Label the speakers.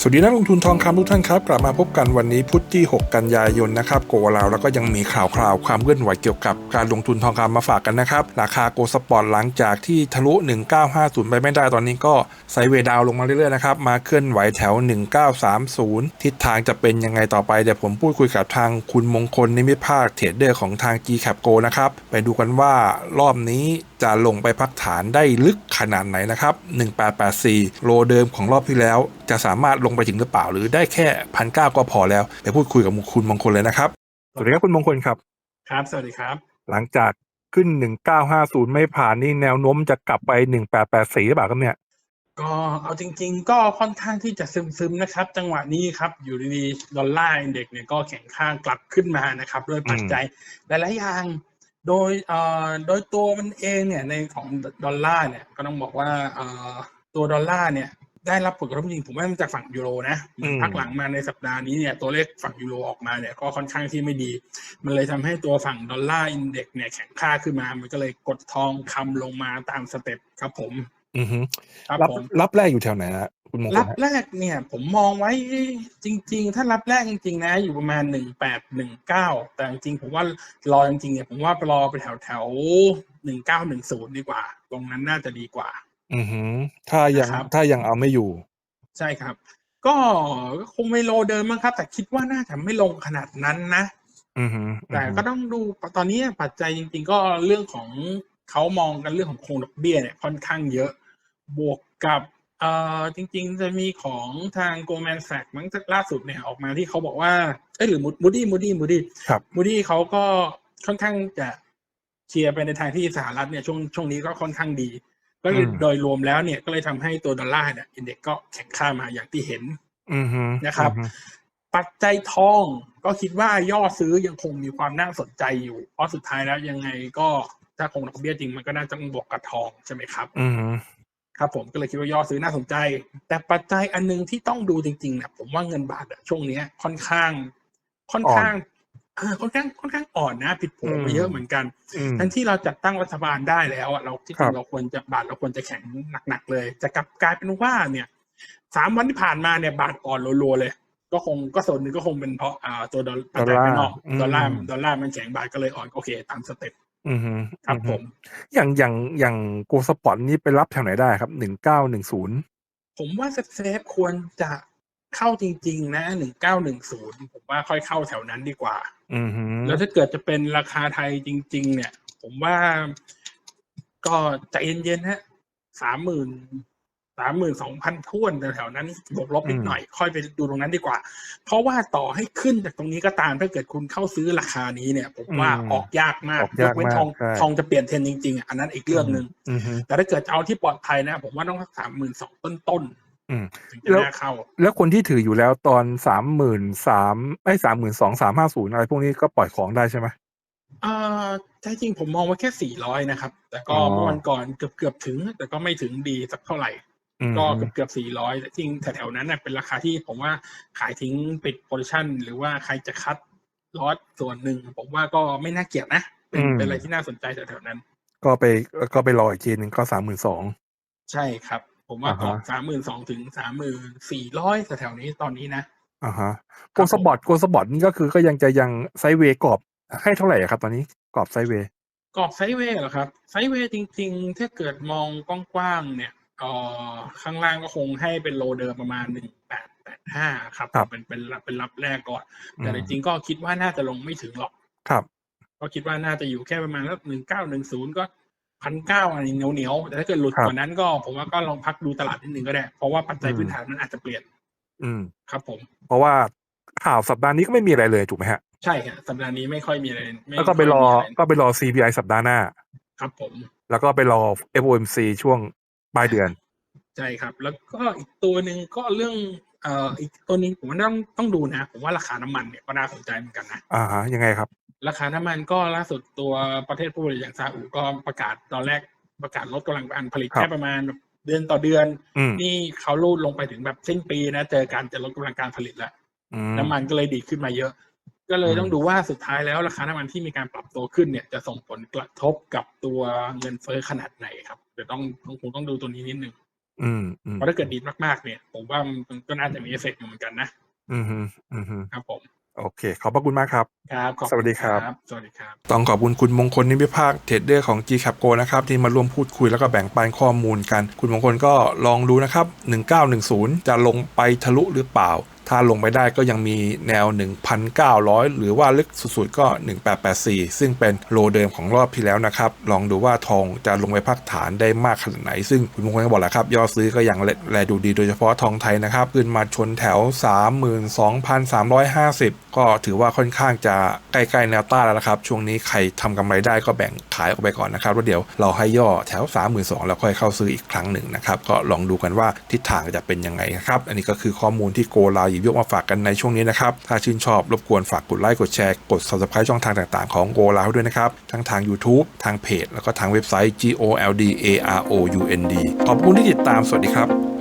Speaker 1: สวัสดีนักลงทุนทองคำทุกท่านครับกลับมาพบกันวันนี้พุธที่6กันยายนนะครับโกลาวแล้วก็ยังมีข่าวความเคลื่อนไหวเกี่ยวกับการลงทุนทองคำมาฝากกันนะครับราคาโกลสปอร์ตหลังจากที่ทะลุ1950ไปไม่ได้ตอนนี้ก็ไซด์เวย์ดาวลงมาเรื่อยๆนะครับมาเคลื่อนไหวแถว1930ทิศทางจะเป็นยังไงต่อไปเดี๋ยวผมพูดคุยกับทางคุณมงคลนิมิตภาคเทรดเดอร์ของทาง GCAP Go นะครับไปดูกันว่ารอบนี้จะลงไปพักฐานได้ลึกขนาดไหนนะครับ1884โลเดิมของรอบที่แล้วจะสามารถลงไปถึงหรือเปล่าหรือได้แค่1,900ก็พอแล้วไปพูดคุยกับคุณมงคลเลยนะครับสวัสดีครับคุณมงคลครับ
Speaker 2: ครับสวัสดีครับ
Speaker 1: หลังจากขึ้น1950ไม่ผ่านนี่แนวโน้มจะกลับไป1884หรือเปล่าครับเนี่ย
Speaker 2: ก็เอาจริงๆก็ค่อนข้างที่จะซึมๆนะครับจังหวะนี้ครับอยู่ดีๆดอลลาร์อินเด็กซ์เนี่ยก็แข็งค่ากลับขึ้นมานะครับด้วยปัจจัยหลายๆอย่างโดยตัวมันเองเนี่ยในของดอลลาร์เนี่ยก็ต้องบอกว่าตัวดอลลาร์เนี่ยได้รับผลกระทบจริงผมว่ามันจากฝั่งยูโรนะพักหลังมาในสัปดาห์นี้เนี่ยตัวเลขฝั่งยูโรออกมาเนี่ยก็ค่อนข้างที่ไม่ดีมันเลยทำให้ตัวฝั่งดอลลาร์อินเด็กซ์เนี่ยแข็งค่าขึ้นมามันก็เลยกดทองคำลงมาตามสเต็ปครับผม
Speaker 1: รับแรกอยู่แถวไหนนะคุณมงคล
Speaker 2: รับแรกเนี่ยผมมองไว้จริงๆถ้ารับแรกจริงๆนะอยู่ประมาณ1819แต่จริงๆผมว่ารอจริงๆเนี่ยผมว่ารอไปแถว1910ดีกว่าตรงนั้นน่าจะดีกว่า
Speaker 1: ถ้ายังเอาไม่อยู่
Speaker 2: ใช่ครับก็คงไม่โลเดิมมั้งครับแต่คิดว่าน่าจะไม่ลงขนาดนั้นนะแต่ก็ต้องดูตอนนี้ปัจจัยจริงๆก็เรื่องของเขามองกันเรื่องของคงดอกเบี้ยเนี่ยค่อนข้างเยอะบวกกับจริงๆจะมีของทาง Goldman Sachs มั้งล่าสุดเนี่ยออกมาที่เขาบอกว่าหรือ Moody เขาก็ค่อนข้างจะเชียร์ไปในทางที่สหรัฐเนี่ยช่วงนี้ก็ค่อนข้างดีก็โดยรวมแล้วเนี่ยก็เลยทำให้ตัวดอลลาร์เนี่ยอินเด็กซ์ก็แข็งค่ามาอย่างที่เห็นนะครับปัจจัยทองก็คิดว่าย่อซื้อยังคงมีความน่าสนใจอยู่เพราะสุดท้ายแล้วยังไงก็ถ้าคงดอกเบี้ยจริงมันก็น่าจะบวกกับทองใช่ไหมครับครับผมก็เลยคิดว่าย่อซื้อน่าสนใจแต่ปัจจัยอันนึงที่ต้องดูจริงๆเนี่ยผมว่าเงินบาทช่วงนี้ค่อนข้างอ่อนนะผิดโผไปเยอะเหมือนกันทั้งที่เราจัดตั้งรัฐบาลได้แล้วเราที่จริงเราควรจะแข็งหนักๆเลยจะกลายเป็นว่าเนี่ย3 วันที่ผ่านมาเนี่ยบาทอ่อนรัวๆเลยก็ส่วนหนึ่งก็คงเป็นเพราะตัวปัจจัยภายนอกดอลลาร์มันแข็งบาทก็เลยอ่อนโอเคตามสเต็ปครับผม
Speaker 1: อย่างโกลสปอร์ตนี่ไปรับแถวไหนได้ครับ1910
Speaker 2: ผมว่าเซฟควรจะเข้าจริงๆนะ1910ผมว่าค่อยเข้าแถวนั้นดีกว่าแล้วถ้าเกิดจะเป็นราคาไทยจริงๆเนี่ยผมว่าก็ใจเย็นๆฮะ32,000ท้วนแถวๆนั้นบวกลบนิดหน่อยค่อยไปดูตรงนั้นดีกว่าเพราะว่าต่อให้ขึ้นจากตรงนี้ก็ตามถ้าเกิดคุณเข้าซื้อราคานี้เนี่ยผมว่าออกยากมากยกเว้นทองจะเปลี่ยนเทรนจริงๆอันนั้นอีกเรื่องนึงแต่ถ้าเกิดเอาที่ปลอดภัยนะผมว่าต้อง32,000ต้นถึงจะน่าเข้า
Speaker 1: แล้วคนที่ถืออยู่แล้วตอน32,350อะไรพวกนี้ก็ปล่อยของได้ใช่ไหม
Speaker 2: ใช่จริงผมมองว่าแค่400นะครับแต่ก็เมื่อวันก่อนเกือบถึงแต่ก็ไม่ถึงดีสักเท่าไหร่ก็เกือบ400แต่จริงแถวๆนั้นเป็นราคาที่ผมว่าขายทิ้งปิดโพซิชั่นหรือว่าใครจะคัดลอตส่วนหนึ่งผมว่าก็ไม่น่าเกลียดนะเป็นอะไรที่น่าสนใจแถวๆนั้น
Speaker 1: ก็ไปรออีกทีนึงก็32,000
Speaker 2: ใช่ครับผมว่ากรอบ32,000ถึง34,000แถวๆนี้ตอนนี้นะ
Speaker 1: โกลสปอร์ตนี่ก็คือก็ยังไซด์เวย์กรอบให้เท่าไหร่ครับตอนนี้กรอบไซด์เวย์
Speaker 2: เหรอครับไซด์เวย์จริงๆถ้าเกิดมองกว้างๆเนี่ยข้างล่างก็คงให้เป็นโลเดิมประมาณ1885ครับเป็นรับแรกก่อนแต่จริงๆก็คิดว่าน่าจะลงไม่ถึงหรอก
Speaker 1: ครับ
Speaker 2: ก็คิดว่าน่าจะอยู่แค่ประมาณสัก1910ก็1,900อะไรเหนียวแต่ถ้าเกิดหลุดกว่านั้นก็ผมว่าก็ลองพักดูตลาดนิดนึงก็ได้เพราะว่าปัจจัยพื้นฐานมันอาจจะเปลี่ยนครับผม
Speaker 1: เพราะว่าข่าวสัปดาห์นี้ก็ไม่มีอะไรเลยถูกไหมฮะ
Speaker 2: ใช่ครับสัปดาห์นี้ไม่ค่อยมีอะไร
Speaker 1: แล้วก็ไปรอ CPI สัปดาห์หน้า
Speaker 2: ครับผม
Speaker 1: แล้วก็ไปรอ FOMC ช่วงปลายเดือน
Speaker 2: ใช่ครับแล้วก็อีกตัวหนึ่งก็เรื่องอีกตัวนี้ผมว่าต้องดูนะผมว่าราคาน้ำมันเนี่ยก็น่าสนใจเหมือนกันนะ
Speaker 1: ยังไงครับ
Speaker 2: ราคาน้ำมันก็ล่าสุดตัวประเทศผู้ผลิตอย่างซาอุก็ประกาศตอนแรกประกาศลดกำลังการผลิตแค่ประมาณเดือนต่อเดือนนี่เขาลูดลงไปถึงแบบสิ้นปีนะเจอการจะลดกำลังการผลิตแล้วน้ำมันก็เลยดีขึ้นมาเยอะก็เลยต้องดูว่าสุดท้ายแล้วราคาน้ำมันที่มีการปรับตัวขึ้นเนี่ยจะส่งผลกระทบกับตัวเงินเฟ้อขนาดไหนครับเดี๋ยวคงต้องดูตัวนี้นิดนึงเพราะถ้าเกิดดีมากๆเนี่ยผมว่ามันก็น่าจะมีเอฟเฟกต์อยู่เหมือนกันนะครับผม
Speaker 1: โอเคขอบพระคุณมากครับ
Speaker 2: ครับขอบ
Speaker 1: สวัสดีครับ
Speaker 2: สวัสดีครับ
Speaker 1: ต้องขอบคุณคุณมงคลนิมิภาคเทรดเดอร์ของ GCAP Go นะครับที่มาร่วมพูดคุยแล้วก็แบ่งปันข้อมูลกันคุณมงคลก็ลองดูนะครับ1910จะลงไปทะลุหรือเปล่าถ้าลงไปได้ก็ยังมีแนว 1,900 หรือว่าลึกสุดๆก็1884ซึ่งเป็นโลเดิมของรอบที่แล้วนะครับลองดูว่าทองจะลงไปพักฐานได้มากขนาดไหนซึ่งคุณมงคลก็บอกแล้วครับยอดซื้อก็ยังแลดูดีโดยเฉพาะทองไทยนะครับขึ้นมาชนแถว 32,350 ก็ถือว่าค่อนข้างจะใกล้ๆแนวต้านแล้วนะครับช่วงนี้ใครทำกำไรได้ก็แบ่งขายออกไปก่อนนะครับแล้วเดี๋ยวเราให้ย่อแถว 32,000 แล้วค่อยเข้าซื้ออีกครั้งหนึ่งนะครับก็ลองดูกันว่าทิศทางจะเป็นยังไงนะครับอันนี้ก็คือข้อมูลที่โกลาหยิบยกมาฝากกันในช่วงนี้นะครับถ้าชื่นชอบรบกวนฝากกดไลค์กดแชร์กด Subscribe ช่องทางต่างๆของโกลาด้วยนะครับทั้งทาง YouTube ทางเพจแล้วก็ทางเว็บไซต์ GOLDAROUND ขอบคุณที่ติดตามสวัสดีครับ